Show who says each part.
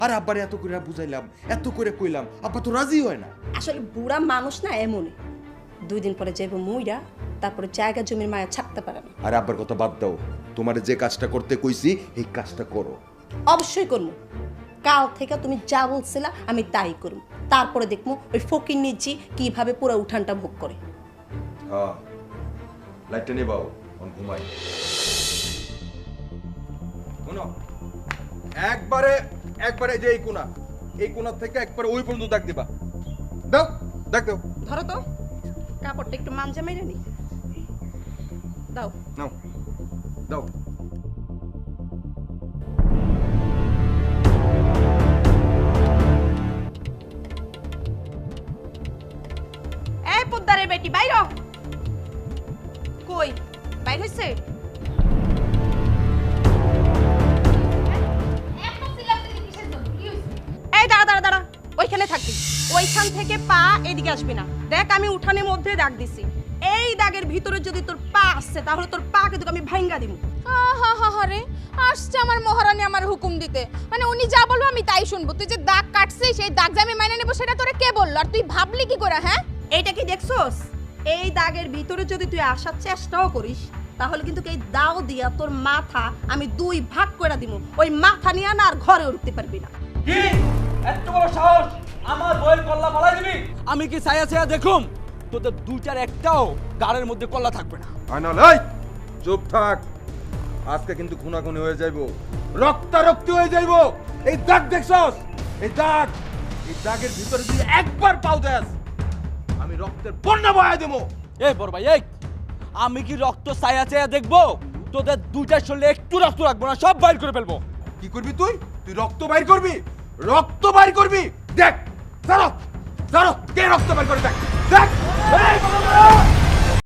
Speaker 1: আর আব্বারে এত করে বুঝাইলাম, এত করে কইলাম, আব্বা তো রাজি হয় না।
Speaker 2: আসলে বুড়া মানুষ না এমনই, 2 দিন পরে যাইব মুইরা, তারপরে জায়গা জমির মায়া ছাড়তে পারে না।
Speaker 1: আর আব্বার কথা বাদ দাও, তোমার যে কাজটা করতে কইছি এই কাজটা করো।
Speaker 2: অবশ্যই করবো, কাল থেকে তুমি যা বলছিলা আমি তাই করব। তারপরে দেখবো ওই ফকির নিজি কিভাবে পুরো উঠানটা ভোগ করে।
Speaker 1: হ্যাঁ, লাইটটা নিবাও, ঘুমাই। শোনো, একবারে যে এই কোণা থেকে একবারে ওই পর্যন্ত দাগ দিবা। দাও, দাগ দাও।
Speaker 2: ধরো তো, কাপড়টা একটু মাঞ্জা মেরে নি। দাও
Speaker 1: নাও, দাও।
Speaker 2: এই পোদ্দারের বেটি বাইর হ। কই বাইর হইছে? এই দাঁড়া দাঁড়া দাঁড়া, ওইখানে থাকবি। ওইখান থেকে পা এদিকে আসবি না। দেখ আমি উঠানের মধ্যে দাগ দিছি, এই দাগের ভিতরে যদি তোর পা আসছে তাহলে তোর পা কিন্তু আমি ভাঙ্গা দিব।
Speaker 3: রে আসছে আমার মহারানী আমার হুকুম দিতে, মানে উনি যা বলবো আমি তাই শুনবো। তুই যে দাগ কাটছিস সেই দাগ যে আমি মাইনে নেবো সেটা তোরে কে বললো? আর তুই ভাবলি কি করে? হ্যাঁ,
Speaker 2: এইটা কি দেখছস? এই দাগের ভিতরে যদি তুই আসার চেষ্টাও করিস তাহলে কিন্তু এই দাও দিয়া তোর মাথা আমি 2 ভাগ করে দিব। ওই মাথা নিয়ে না আর ঘরে উঠতে পারবি না।
Speaker 4: কি এত বড় সাহস, আমার বইয়ের কল্লা ফালাই দিবি? আমি কি ছায়া ছায়া দেখুম? তোদের দুইটার একটাও গাড়ের মধ্যে কল্লা থাকবে না।
Speaker 1: আয়নাল, এই চুপ থাক। আজকে কিন্তু খুনাখুনি হয়ে যাইবো, রক্তারক্তি হয়ে যাইবো। এই দাগ দেখছস? এই দাগের ভিতরে যদি একবার পাও দেস, আমি রক্তের বন্যা বহায় দেবো।
Speaker 4: এই বড় ভাই, এই আমি কি রক্ত ছায়া ছায়া দেখবো? তোদের দুইটার শরীরে একটু রক্ত রাখবো না, সব বাইর করে ফেলবো।
Speaker 1: কি করবি তুই? তুই রক্ত বাইর করবি? রক্ত বাইর করবি? দেখ, জানো কে রক্ত বাইর করে দেখ।